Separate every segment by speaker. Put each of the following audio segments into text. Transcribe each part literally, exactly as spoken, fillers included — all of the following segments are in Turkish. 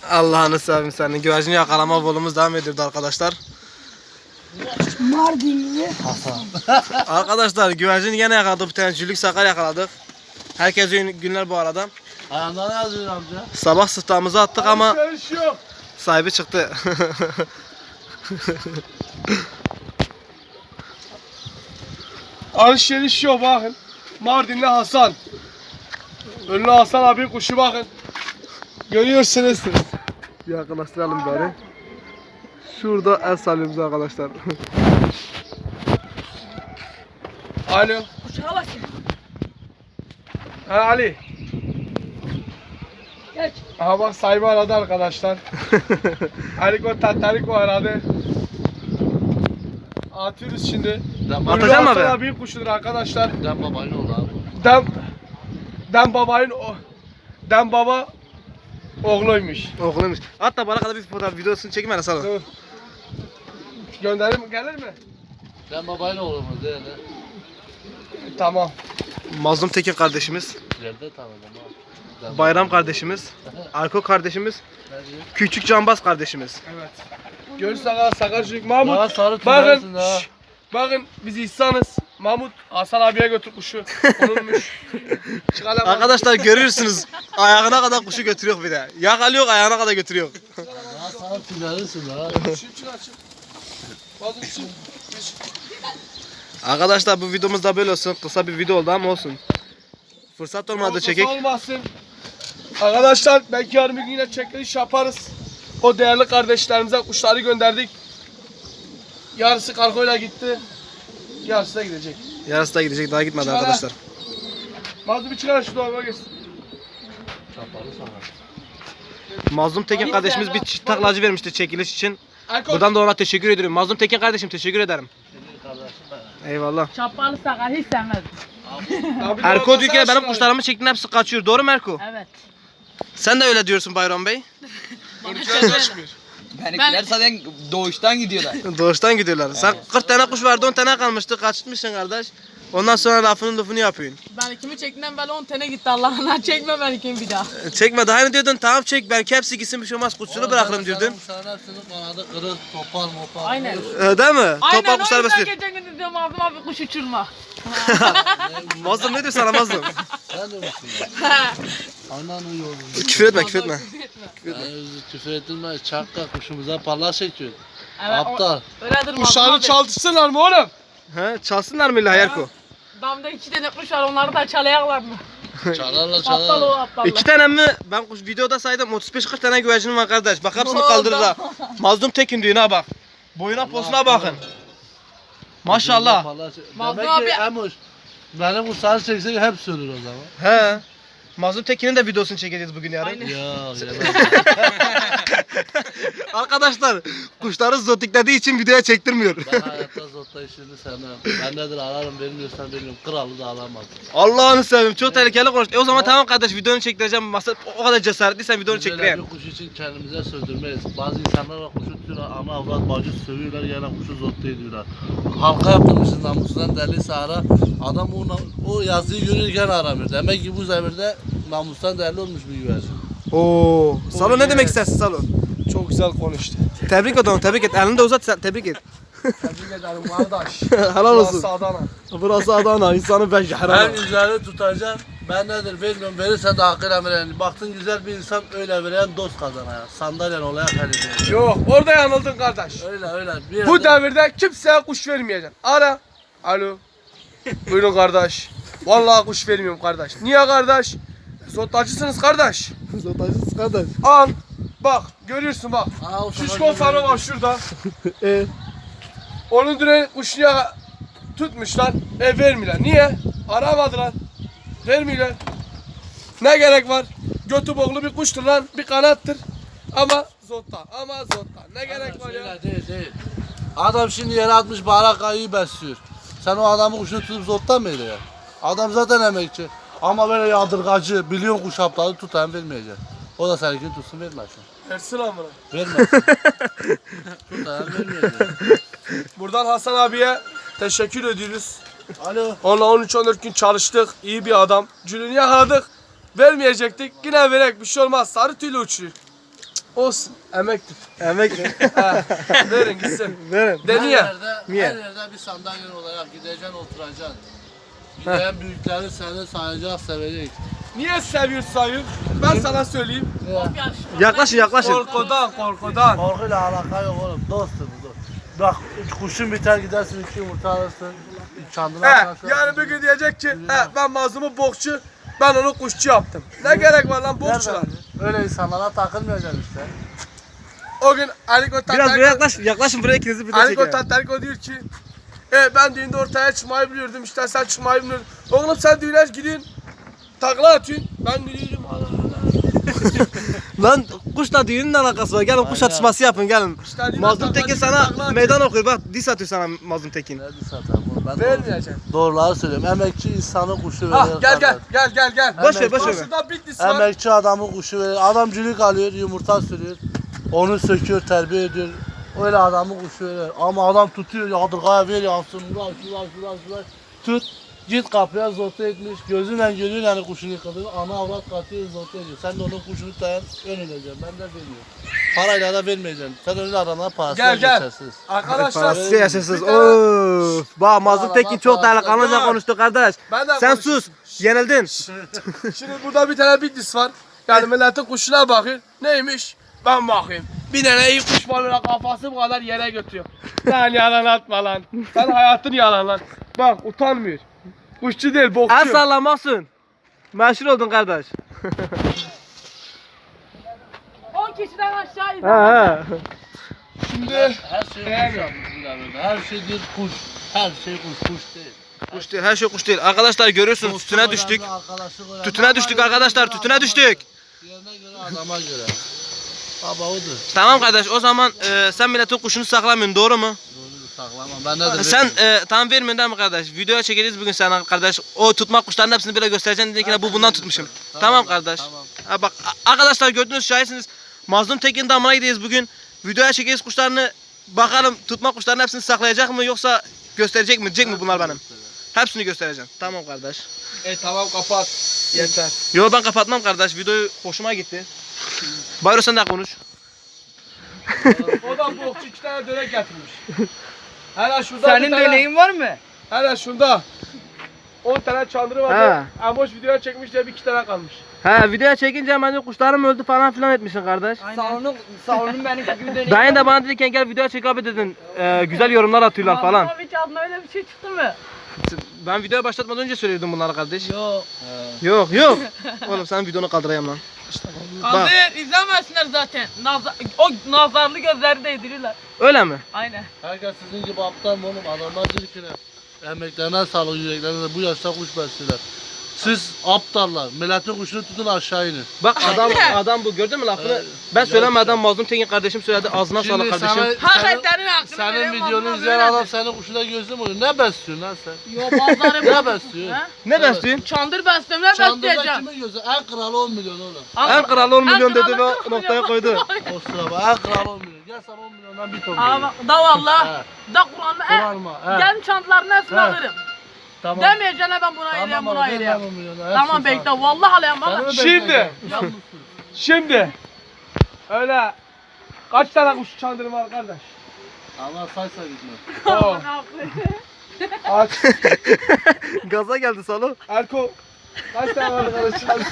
Speaker 1: Allah'ını seveyim senin. Güvercini yakalama volumuz devam ediyordu arkadaşlar.
Speaker 2: Mardinli Hasan.
Speaker 1: Arkadaşlar güvercini yine yakaladık. Bir tane cülük sakar yakaladık. Herkese iyi günler bu arada.
Speaker 3: Ayağında ne yazıyor amca?
Speaker 1: Sabah sıhtağımızı attık ama
Speaker 4: Alışveriş yok.
Speaker 1: sahibi çıktı.
Speaker 4: Alışveriş yok bakın. Mardinli Hasan. Ünlü Hasan abi kuşu bakın. Görüyorsunuz.
Speaker 1: Bir yakınlaştıralım bari. Şurada el salıyoruz arkadaşlar.
Speaker 4: Alo.
Speaker 2: Kuşağa bak.
Speaker 4: Ha Ali.
Speaker 2: Geç.
Speaker 4: Aha bak sahibi aradı arkadaşlar. Aliko Tataliko aradı. Atıyoruz şimdi.
Speaker 3: Dem,
Speaker 1: Atacağım
Speaker 4: Ünlü
Speaker 1: abi.
Speaker 4: Hasan abi kuşudur arkadaşlar.
Speaker 3: dem babayın oğlu abi.
Speaker 4: Dem Dem babayın o Dem baba oğluymuş.
Speaker 1: Oğluymuş. Hatta bana kadar bir fotoğraf videosunu çekim hele salon.
Speaker 4: Dur. Gönderim gelir mi?
Speaker 3: Dem babayın oğlu mu değil mi?
Speaker 4: Tamam.
Speaker 1: Mazlum Tekin kardeşimiz.
Speaker 3: İleride tanıdım abi. Dem
Speaker 1: Bayram kardeşimiz. Arko kardeşimiz.
Speaker 3: Ne diyor?
Speaker 1: Küçük Cambaz kardeşimiz.
Speaker 4: Evet. Görürsün aga Sakarcık Mahmut.
Speaker 3: Daha sarı
Speaker 4: Bakın,
Speaker 3: tünersin ha.
Speaker 4: şş, bakın biz ihsanız. Mahmut Hasan abiye götür kuşu. Onunmuş. Çıkalım.
Speaker 1: Arkadaşlar görüyorsunuz. Ayağına kadar kuşu götürüyor bir de. Yakalıyor ayağına kadar götürüyor.
Speaker 3: Daha sarı tünersin ha.
Speaker 4: Çık çık çık. Bazı çık.
Speaker 1: Arkadaşlar bu videomuz da böyle olsun. Kısa bir video oldu ama olsun. Fırsat olmadı çekek.
Speaker 4: Olmasın. Arkadaşlar belki yarın bir gün yine çekiliş yaparız. O değerli kardeşlerimize kuşları gönderdik. Yarısı kargoyla gitti. Yarısı da gidecek.
Speaker 1: Yarısı da gidecek daha gitmedi
Speaker 4: Çıkar ha.
Speaker 1: arkadaşlar.
Speaker 4: Mazlum bir çıkar şu dolaba geçsin.
Speaker 3: Çapalı sana.
Speaker 1: Mazlum Tekin kardeşimiz bir çift taklacı vermişti çekiliş için.
Speaker 4: Erkoç.
Speaker 1: Buradan da ona teşekkür ediyorum. Mazlum Tekin kardeşim teşekkür ederim.
Speaker 3: Senin kardeşin ben.
Speaker 1: Eyvallah.
Speaker 2: Çapalı sakal hiç sevmezdim.
Speaker 4: Abi
Speaker 1: Erko
Speaker 4: dolaba
Speaker 1: diyor ki benim
Speaker 4: sen
Speaker 1: kuşlarımı çektiğin hepsi kaçıyor. Doğru mu Erko?
Speaker 2: Evet.
Speaker 1: Sen de öyle diyorsun Bayram Bey.
Speaker 4: Örümceğe kaçmıyor.
Speaker 5: Benimkiler zaten doğuştan gidiyorlar.
Speaker 1: Doğuştan gidiyorlar. Sen kırk tane kuş vardı on tane kalmıştı. Kaçmışsın kardeş. Ondan sonra lafının lafını yapıyorsun.
Speaker 6: Ben kimi çektiğinden beri on tane gitti Allah'ına çekme ben kimi bir daha.
Speaker 1: Çekme daha ne diyordun? Tamam çek belki hepsi gitsin bir şey olmaz kuşçuluğu bırakırım diyordun.
Speaker 3: Kuşların hepsinin kanadı kırık, topal mopal.
Speaker 6: Aynen.
Speaker 1: Ee, değil mi?
Speaker 6: Aynen
Speaker 1: Topal
Speaker 6: o
Speaker 1: kuşlar
Speaker 6: yüzden
Speaker 1: besliyor.
Speaker 6: geçen gün dedim Mazlum abi kuş uçurma.
Speaker 1: Mazlum ne diyor sana Mazlum?
Speaker 3: Sen de misin ya? Anan uyuyor.
Speaker 1: Küfür etme küfür etme.
Speaker 3: Yani küfür ettirme, çakka kuşumuza parlak çekiyor.
Speaker 6: Evet,
Speaker 3: Aptal.
Speaker 6: o- Öyledir Mazlum
Speaker 4: Kuşları
Speaker 6: abi.
Speaker 4: çaldırsınlar mı oğlum?
Speaker 1: He, çalsınlar mı illa Erko?
Speaker 6: Damda iki tane kuş var onları da çalayaklar mı?
Speaker 3: Çalarla
Speaker 6: Aptal o
Speaker 3: çalarla.
Speaker 6: aptallar.
Speaker 1: İki tane mi? Ben kuş videoda saydım otuz beş kırk tane güvercinim var kardeş. Bak hepsini
Speaker 6: Oo,
Speaker 1: kaldırırlar. Mazlum Tekin diyor ha bak. Boyuna posuna bakın. Maşallah.
Speaker 6: Mazlum
Speaker 3: Demek
Speaker 6: abi-
Speaker 3: ki Emuş. Benim kuşları çeksek hep sürür o zaman.
Speaker 1: He. Mazlum Tekin'in de videosunu çekeceğiz bugün yarın.
Speaker 6: Aynen.
Speaker 3: Ya yemez.
Speaker 1: Arkadaşlar kuşları zotiklediği için videoya çektirmiyor.
Speaker 3: Ben hayatta zotta işini sevmem. Ben nedir ararım vermiyorsan veriyorum. Kralı da alamaz.
Speaker 1: Allah'ını seveyim çok tehlikeli konuş. E o zaman tamam kardeş videonu çektireceğim. Masa o kadar cesaretliysen videonu
Speaker 3: Biz öyle
Speaker 1: çektireyim.
Speaker 3: bir kuş için kendimize söndürmeyiz. Bazı insanlar var kuşu tutuyorlar, ana avrat bacı sövüyorlar, gene kuşu zotta ediyorlar. Halka yaptırmışsın namusundan derliyse ara, adam o, o yazıyı görürken aramıyor. Demek ki bu zemirde namustan değerli olmuş bir güvercin.
Speaker 1: Oo. Salon ne
Speaker 4: evet.
Speaker 1: demek istersin Salon?
Speaker 4: Çok güzel konuştu.
Speaker 1: Tebrik et onu tebrik et. Elini de uzat sen tebrik et.
Speaker 4: Tebrik ederim kardeş.
Speaker 1: Helal olsun.
Speaker 4: Burası Adana.
Speaker 1: Burası Adana. İnsanı ben
Speaker 3: Ben
Speaker 1: jahran.
Speaker 3: güzeli tutacağım. Ben nedir bilmiyorum. Verirse de hakkıyla veren. Baktın güzel bir insan öyle veren dost kazanaya. Sandalyen olaya kalite.
Speaker 4: Yok orada yanıldın kardeş.
Speaker 3: Öyle öyle. Bir
Speaker 4: Bu
Speaker 3: yerde-
Speaker 4: devirde kimseye kuş vermeyeceksin. Ara. Alo. Buyurun kardeş. Vallahi kuş vermiyorum kardeş. Niye kardeş? Zotacısınız kardeş.
Speaker 1: Zotajısız kardeş.
Speaker 4: Al. Bak görüyorsun bak.
Speaker 3: Aa, o
Speaker 4: Şişko
Speaker 3: zaman-
Speaker 4: fanı var şurada.
Speaker 1: E,
Speaker 4: Onun düne kuşunu tutmuşlar. E vermiyorlar. Niye? Aramadılar. Vermiyorlar. Ne gerek var? Götü boklu bir kuştur lan. Bir kanattır. Ama zotta. Ama zotta. Ne gerek var ya?
Speaker 3: Öyle değil değil. Adam şimdi yere atmış baharat kayıyı besliyor. Sen o adamın kuşunu tutup zottan mı ediyor? Adam zaten emekçi. Ama böyle yadırgacı, milyon kuş aptalı tutan vermeyecek. O da seninkini tutsun vermezsin.
Speaker 4: Versin amına.
Speaker 3: Vermezsin. Tutan vermeyecek.
Speaker 4: Buradan Hasan abiye teşekkür ediyoruz.
Speaker 3: Alo.
Speaker 4: Onunla on üç on dört gün çalıştık. İyi bir adam. Cülünü yakaladık. Vermeyecektik. Yine verek bir şey olmaz. Sarı tüylü uçuyor. Olsun. Emektir.
Speaker 1: Emek.
Speaker 4: Ha, verin gitsin.
Speaker 1: Verin.
Speaker 3: Her
Speaker 4: Deniyor.
Speaker 3: yerde,
Speaker 1: Niye?
Speaker 3: her yerde bir sandalye olarak gideceksin, oturacaksın. Gideyen büyükleri seni sayacak, sevecek.
Speaker 4: Niye seviyorsun sayın? Ben sana söyleyeyim.
Speaker 1: Yaklaşın yaklaşın.
Speaker 4: Korkudan korkudan.
Speaker 3: Korkuyla alaka yok oğlum, dostum dost. Bak kuşun biter gidersin, iki yumurta alırsın. Çandına
Speaker 4: He,
Speaker 3: atarsın.
Speaker 4: yani bir gün diyecek ki he, ben mazlumu bokçu, ben onu kuşçu yaptım. Ne gerek var lan bokçular?
Speaker 3: Nereden? Öyle insanlara takılmayacaksın işte.
Speaker 4: O gün Aliko
Speaker 1: Biraz buraya
Speaker 4: Tatariko,
Speaker 1: yaklaş. Yaklaşın buraya ikinizi birden
Speaker 4: Aliko
Speaker 1: çekin.
Speaker 4: Tatariko diyor ki e, ben düğünde ortaya çıkmayı biliyordum, işte sen çıkmayı bilmiyordun. Oğlum sen düğüne gidiyorsun, takla atıyorsun. Ben gidiyorum Allah Allah.
Speaker 1: Lan kuşla düğünün alakası var. Gelin kuş atışması yapın gelin.
Speaker 4: İşte düğüne
Speaker 1: Mazlum
Speaker 4: takla
Speaker 1: Tekin
Speaker 4: atıyorsun, takla
Speaker 1: sana
Speaker 4: atıyorsun.
Speaker 1: meydan okuyor. Bak dis atıyor sana Mazlum Tekin.
Speaker 3: Ne bir satarım oğlum, ben doğru,
Speaker 4: Vermeyeceğim.
Speaker 3: doğruları söylüyorum. Emekçi insanı kuşu verir.
Speaker 4: Ah gel gel gel gel gel.
Speaker 1: Boş ver boş ver.
Speaker 4: Şurada Bitlis var.
Speaker 3: Emekçi adamı kuşu verir. Adam cülük alıyor, yumurta sürüyor. Onu söküyor, terbiye ediyor. Öyle adamı kuşu verir. Ama adam tutuyor, yadırgaya ver yansın. Ulan şulan şulan şulan. Tut. Git kapıya zote etmiş. Gözünle görüyor yani kuşunu yıkadığını. Ana avrat katıyor zote ediyor. Sen de onun kuşunu dayan ön ödeyeceksin. Ben de vermiyorum. Parayla da vermeyeceksin. Sen öyle adamlara parası
Speaker 4: Gel gel.
Speaker 3: geçersiz.
Speaker 4: Arkadaşlar
Speaker 1: Parası yaşasız.
Speaker 4: bir tane-
Speaker 1: Of. Bak Mazlum
Speaker 3: Araba
Speaker 1: Tekin çok
Speaker 3: parası.
Speaker 1: delikanlıca
Speaker 4: Gel.
Speaker 1: konuştu kardeş.
Speaker 4: Ben de
Speaker 1: Sen
Speaker 4: konuşayım.
Speaker 1: sus. Yenildin.
Speaker 4: Şimdi burada bir tane Bitlis var. Yani milletin kuşuna bakıyor. Neymiş? Ben bakayım. Bir tane iyi kuş var böyle kafası bu kadar yere götürüyor. Sen yalan atma lan. Sen hayatın yalan lan. Bak utanmıyor. Kuşçu değil bokçu.
Speaker 1: El sallamasın. Meşhur oldun kardeş.
Speaker 6: on kişiden aşağı
Speaker 1: He
Speaker 6: izlemez.
Speaker 1: he.
Speaker 4: Şimdi
Speaker 3: Her şey kuş yapmışsın abi. Her şey bir kuş. Her şey kuş, kuş değil.
Speaker 1: Kuş değil, her şey kuş değil. Arkadaşlar görüyorsunuz tütüne düştük. Tütüne düştük arkadaşlar, tütüne düştük.
Speaker 3: Yerine göre, adama göre. Baba odur.
Speaker 1: Tamam kardeş o zaman e, sen milletin kuşunu saklamıyorsun doğru mu?
Speaker 3: Doğrudur, saklamam. Ben de de
Speaker 1: Sen e, tam vermiyorsun değil mi kardeş? Videoya çekeceğiz bugün sana kardeş. O tutma kuşların hepsini böyle göstereceksin dedin ki bu bundan tutmuşum. Tamam kardeş.
Speaker 3: Tamam.
Speaker 1: Ha bak a- arkadaşlar gördünüz şahitsiniz. Mazlum Tekin damına gidiyoruz bugün. Videoya çekeceğiz kuşlarını. Bakalım tutma kuşların hepsini saklayacak mı yoksa gösterecek mi? Diyecek mi bunlar benim? Hepsini göstereceğim. Tamam kardeş.
Speaker 4: e tamam kapat. Yeter.
Speaker 1: Yo ben kapatmam kardeş. Videoyu hoşuma gitti. Bayro sen de konuş.
Speaker 4: O da bokçu iki tane dönek getirmiş. Hele şurada
Speaker 5: Senin
Speaker 4: bir tane,
Speaker 5: döneğin var mı?
Speaker 4: hele şurada on tane çandırı var.
Speaker 1: Ha.
Speaker 4: Amoş videoya çekmiş diye bir iki tane kalmış.
Speaker 1: He videoya çekince hemen de kuşlarım öldü falan filan etmişsin kardeş.
Speaker 5: Salonun, salonun benim gibi döneği
Speaker 1: Dayın da bana dediyken gel videoya çek abi dedin. Ee, güzel yorumlar atıyorlar falan.
Speaker 6: Abi hiç adına öyle bir şey çıktı mı?
Speaker 1: Ben videoya başlatmadan önce söylüyordum bunları kardeş.
Speaker 5: Yok.
Speaker 1: Yok yok. Oğlum sen videonu kaldırayım lan.
Speaker 6: Kaldır izlemesinler zaten. Nazar, o nazarlı gözleri değdirirler.
Speaker 1: Öyle mi?
Speaker 6: Aynen.
Speaker 3: Herkes sizin gibi aptal mı oğlum? Adamlar diyor ki ne? Emeklerine sağlık, yüreklerine bu yaşta kuş besliyorlar. Siz aptallar. Milletin kuşunu tutun aşağı inin.
Speaker 1: Bak adam adam bu gördün mü lafını?
Speaker 3: Evet.
Speaker 1: Ben söylemeden Mazlum Tekin kardeşim söyledi. Ağzına sağlık kardeşim.
Speaker 3: sana-
Speaker 6: Hak
Speaker 3: senin-
Speaker 6: etlerin hakkını
Speaker 3: Senin
Speaker 6: vereyim,
Speaker 3: videonu
Speaker 6: vallahi
Speaker 3: izleyen
Speaker 6: böyledir.
Speaker 3: adam senin kuşuna gözüm oluyor. Ne besliyorsun lan sen?
Speaker 6: Yo bazıları
Speaker 3: Ne besliyorsun?
Speaker 6: Ha?
Speaker 1: Ne besliyorsun?
Speaker 6: Çandır besliyorum ne
Speaker 3: Çandırda
Speaker 6: besleyeceğim?
Speaker 3: kimin gözü? En kralı on milyon oğlum.
Speaker 1: En kralı on milyon
Speaker 6: En
Speaker 1: dedi
Speaker 6: kralı
Speaker 1: ve
Speaker 6: kırk
Speaker 1: noktaya
Speaker 6: milyon.
Speaker 1: koydu.
Speaker 3: O sıra bak. En kralı on milyon. Gel sana on milyondan bir ton
Speaker 6: Ama
Speaker 3: veriyorum.
Speaker 6: da valla.
Speaker 3: He.
Speaker 6: Da Kur'an'da e,
Speaker 3: Kur'an mı? He.
Speaker 6: gel çantaların hepsini
Speaker 3: He.
Speaker 6: alırım.
Speaker 3: Tamam.
Speaker 6: Demeyeceğine ben buna
Speaker 3: Tamam
Speaker 6: eyleyeyim
Speaker 3: abi,
Speaker 6: buna
Speaker 3: ver
Speaker 6: eyleyeyim.
Speaker 3: lan on milyonu, hepsini
Speaker 6: Tamam
Speaker 3: sana.
Speaker 6: bekle vallahi alayım
Speaker 3: Sana
Speaker 6: valla.
Speaker 3: mı
Speaker 4: Şimdi.
Speaker 3: bekleyeceğim? Yalnızsın.
Speaker 4: Şimdi öyle kaç tane kuş çandırı var kardeş?
Speaker 3: Allah saysa gitmez.
Speaker 4: Oo. Aç.
Speaker 1: Gaza geldi Salo.
Speaker 4: Erko. Kaç tane var kardeş çandırı?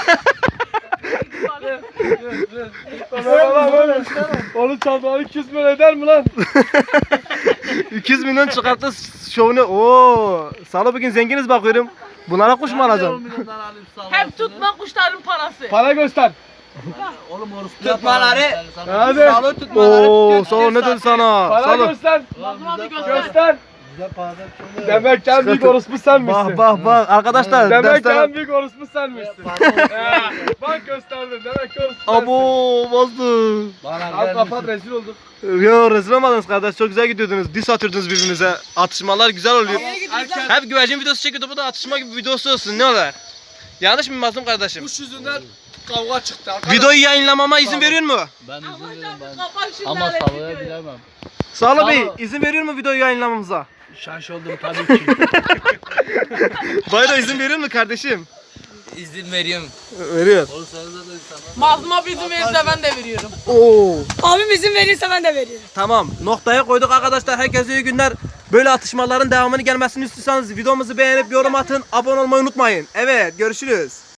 Speaker 4: Baba böyle. Onun çandırı iki yüz milyon eder mi lan?
Speaker 1: iki yüz milyon çıkarttı şovunu. Oo, Salo bugün zenginiz bakıyorum. Bunlara kuş mu
Speaker 3: Ben de on
Speaker 1: alacaksın?
Speaker 3: milyondan alayım sana.
Speaker 6: Hep tutma kuşların parası.
Speaker 4: Para göster.
Speaker 3: Oğlum orası
Speaker 5: Tutmaları-
Speaker 4: Hadi.
Speaker 5: Salon tutmaları
Speaker 1: Oo,
Speaker 5: tutuyor,
Speaker 1: Salo ne dedi sana?
Speaker 4: Para
Speaker 1: Salo.
Speaker 4: göster.
Speaker 6: Mazlum abi
Speaker 3: Bize
Speaker 6: göster.
Speaker 4: Göster.
Speaker 3: Bize paradan çok
Speaker 4: Demek ki en büyük orospu sen misin?
Speaker 1: Bak bak bak arkadaşlar
Speaker 4: Demek ki
Speaker 1: dersten...
Speaker 4: en büyük orospu sen misin? Ha, bak gösterdin. Demek ki orospu sensin.
Speaker 1: Abo bastı.
Speaker 4: Al kapat rezil olduk.
Speaker 1: Yo rezil olmadınız kardeş çok güzel gidiyordunuz. Dis atıyordunuz birbirinize. Atışmalar güzel oluyor.
Speaker 4: Erken
Speaker 1: Hep güvercin videosu çekiyordu bu da atışma gibi videosu olsun ne olur. Yanlış mı Mazlum kardeşim?
Speaker 4: kuş yüzünden kavga çıktı. Arkadaş.
Speaker 1: Videoyu yayınlamama izin veriyor mu?
Speaker 3: Ben izin veririm ben.
Speaker 6: Kapat şimdi
Speaker 3: Ama
Speaker 6: hele
Speaker 3: savaya
Speaker 6: videoyu.
Speaker 3: bilemem.
Speaker 1: Sağlı Bey
Speaker 3: Sağ ol.
Speaker 1: izin veriyor mu videoyu yayınlamamıza?
Speaker 4: Şaş oldum tabii ki.
Speaker 1: Bayro izin veriyor mu kardeşim?
Speaker 5: İzin veriyorum.
Speaker 1: Veriyor.
Speaker 3: Oğlum senin de insanlar.
Speaker 6: Mazlum abi izin verirse ben de veriyorum.
Speaker 1: Oo.
Speaker 2: Abim izin verirse ben de veririm.
Speaker 1: Tamam. Noktaya koyduk arkadaşlar. Herkese iyi günler. Böyle atışmaların devamını gelmesini istiyorsanız videomuzu beğenip yorum atın. Abone olmayı unutmayın. Evet, görüşürüz.